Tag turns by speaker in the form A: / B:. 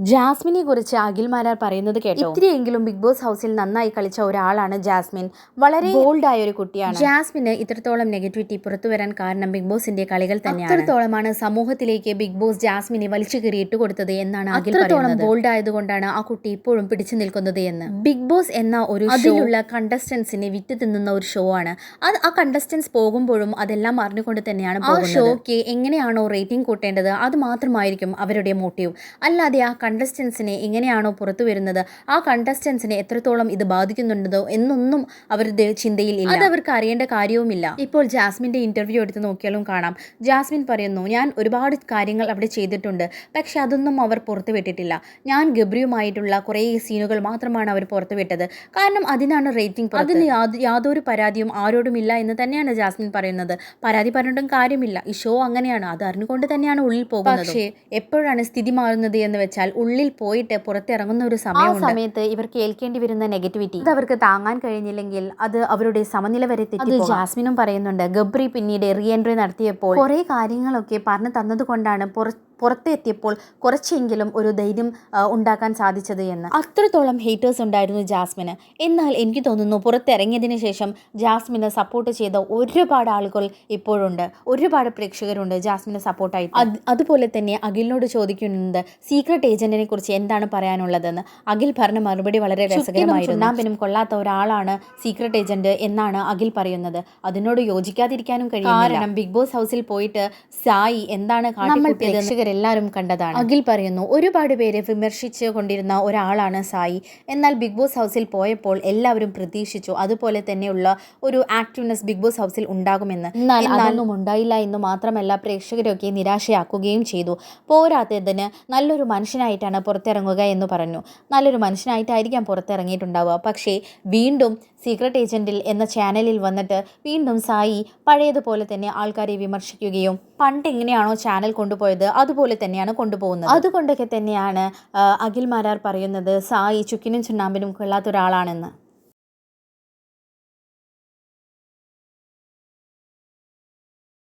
A: ജാസ്മിനെ കുറിച്ച് അഖിൽ മാരാർ പറയുന്നത് കേട്ടോ. ഇത്തിരിയെങ്കിലും ബിഗ് ബോസ് ഹൗസിൽ നന്നായി കളിച്ച ഒരാളാണ് ജാസ്മിൻ. വളരെ ബോൾഡായ ഒരു കുട്ടിയാണ്. ജാസ്മിന് ഇത്രത്തോളം നെഗറ്റിവിറ്റി പുറത്തു വരാൻ കാരണം ബിഗ് ബോസിന്റെ കളികൾ തന്നെയാണ്. അത്രത്തോളമാണ് സമൂഹത്തിലേക്ക് ബിഗ് ബോസ് ജാസ്മിനെ വലിച്ചു കയറി ഇട്ടുകൊടുത്തത് എന്നാണ് അഖിൽ പറയുന്നത്. ബോൾഡ് ആയതുകൊണ്ടാണ് ആ കുട്ടി ഇപ്പോഴും പിടിച്ചു നിൽക്കുന്നത് എന്ന്. ബിഗ് ബോസ് എന്ന ഒരു അതിലുള്ള കണ്ടസ്റ്റൻസിനെ വിറ്റ് തിന്നുന്ന ഒരു ഷോ ആണ് അത്. ആ കണ്ടസ്റ്റൻസ് പോകുമ്പോഴും അതെല്ലാം അറിഞ്ഞുകൊണ്ട് തന്നെയാണ് ആ ഷോയ്ക്ക് എങ്ങനെയാണോ റേറ്റിംഗ് കൂട്ടേണ്ടത് അത് മാത്രമായിരിക്കും അവരുടെ മോട്ടീവ്. അല്ലാതെ ആ കണ്ടസ്റ്റൻസിനെ എങ്ങനെയാണോ പുറത്തു വരുന്നത്, ആ കണ്ടസ്റ്റൻസിനെ എത്രത്തോളം ഇത് ബാധിക്കുന്നുണ്ടോ എന്നൊന്നും അവരുടെ ചിന്തയിൽ ഇല്ല. അത് അവർക്ക് അറിയേണ്ട കാര്യവുമില്ല. ഇപ്പോൾ ജാസ്മിൻ്റെ ഇന്റർവ്യൂ എടുത്ത് നോക്കിയാലും കാണാം. ജാസ്മിൻ പറയുന്നു, ഞാൻ ഒരുപാട് കാര്യങ്ങൾ അവിടെ ചെയ്തിട്ടുണ്ട്, പക്ഷെ അതൊന്നും അവർ പുറത്തുവിട്ടിട്ടില്ല. ഞാൻ ഗബ്രിയുമായിട്ടുള്ള കുറേ സീനുകൾ മാത്രമാണ് അവർ പുറത്തുവിട്ടത്. കാരണം അതിനാണ് റേറ്റിംഗ്. അതിന് യാതൊരു പരാതിയും ആരോടുമില്ല എന്ന് തന്നെയാണ് ജാസ്മിൻ പറയുന്നത്. പരാതി പറഞ്ഞിട്ടും കാര്യമില്ല. ഈ ഷോ അങ്ങനെയാണ്. അത് അറിഞ്ഞുകൊണ്ട് തന്നെയാണ് ഉള്ളിൽ പോകുന്നത്. പക്ഷേ എപ്പോഴാണ് സ്ഥിതി മാറുന്നത് എന്ന് വെച്ചാൽ ഉള്ളിൽ പോയിട്ട് പുറത്തിറങ്ങുന്ന ഒരു സമയത്ത് ഇവർ കേൾക്കേണ്ടി വരുന്ന നെഗറ്റിവിറ്റി അത് അവർക്ക് താങ്ങാൻ കഴിഞ്ഞില്ലെങ്കിൽ അത് അവരുടെ സമനില വരെ തെറ്റി. ജാസ്മിനും പറയുന്നുണ്ട്, ഗബ്രി പിന്നീട് റീ എൻട്രി നടത്തിയപ്പോൾ കുറേ കാര്യങ്ങളൊക്കെ പറഞ്ഞു തന്നതുകൊണ്ടാണ് പുറത്തെത്തിയപ്പോൾ കുറച്ചെങ്കിലും ഒരു ധൈര്യം ഉണ്ടാക്കാൻ സാധിച്ചത് എന്ന്. അത്രത്തോളം ഹേറ്റേഴ്സ് ഉണ്ടായിരുന്നു ജാസ്മിന്. എന്നാൽ എനിക്ക് തോന്നുന്നു പുറത്തിറങ്ങിയതിന് ശേഷം ജാസ്മിനെ സപ്പോർട്ട് ചെയ്ത ഒരുപാട് ആളുകൾ ഇപ്പോഴുണ്ട്. ഒരുപാട് പ്രേക്ഷകരുണ്ട് ജാസ്മിനെ സപ്പോർട്ടായിട്ട്. അതുപോലെ തന്നെ അഖിലിനോട് ചോദിക്കുന്നുണ്ട് സീക്രട്ട് ഏജന്റിനെ കുറിച്ച് എന്താണ് പറയാനുള്ളതെന്ന്. അഖിൽ പറഞ്ഞ മറുപടി വളരെ രസകരമായിരുന്നു. ചുണ്ണാമ്പിനും കൊള്ളാത്ത ഒരാളാണ് സീക്രട്ട് ഏജന്റ് എന്നാണ് അഖിൽ പറയുന്നത്. അതിനോട് യോജിക്കാതിരിക്കാനും കഴിയും. കാരണം ബിഗ് ബോസ് ഹൗസിൽ പോയിട്ട് സായി എന്താണ് കാട്ടിക്കൂട്ടിയത് എല്ലാവരും കണ്ടതാണ്. അഖിൽ പറയുന്നു, ഒരുപാട് പേരെ വിമർശിച്ചു കൊണ്ടിരുന്ന ഒരാളാണ് സായി. എന്നാൽ ബിഗ് ബോസ് ഹൗസിൽ പോയപ്പോൾ എല്ലാവരും പ്രതീക്ഷിച്ചു അതുപോലെ തന്നെയുള്ള ഒരു ആക്റ്റീവ്നെസ് ബിഗ് ബോസ് ഹൗസിൽ ഉണ്ടാകുമെന്ന്. എന്നാൽ അതൊന്നും ഉണ്ടായില്ല എന്ന് മാത്രമല്ല, പ്രേക്ഷകരൊക്കെ നിരാശയാക്കുകയും ചെയ്തു. പോരാത്തതിന് നല്ലൊരു മനുഷ്യനായിട്ടാണ് പുറത്തിറങ്ങുക എന്ന് പറഞ്ഞു. നല്ലൊരു മനുഷ്യനായിട്ടായിരിക്കാം പുറത്തിറങ്ങിയിട്ടുണ്ടാവുക. പക്ഷേ വീണ്ടും സീക്രട്ട് ഏജന്റിൽ എന്ന ചാനലിൽ വന്നിട്ട് വീണ്ടും സായി പഴയതുപോലെ തന്നെ ആൾക്കാരെ വിമർശിക്കുകയും പണ്ട് എങ്ങനെയാണോ ചാനൽ കൊണ്ടുപോയത് അതുപോലെ തന്നെയാണ് കൊണ്ടുപോകുന്നത്. അതുകൊണ്ടൊക്കെ തന്നെയാണ് അഖിൽ മാരാർ പറയുന്നത് സായി ചുക്കിനും ചുണ്ണാമ്പിനും കൊള്ളാത്ത ഒരാളാണെന്ന്.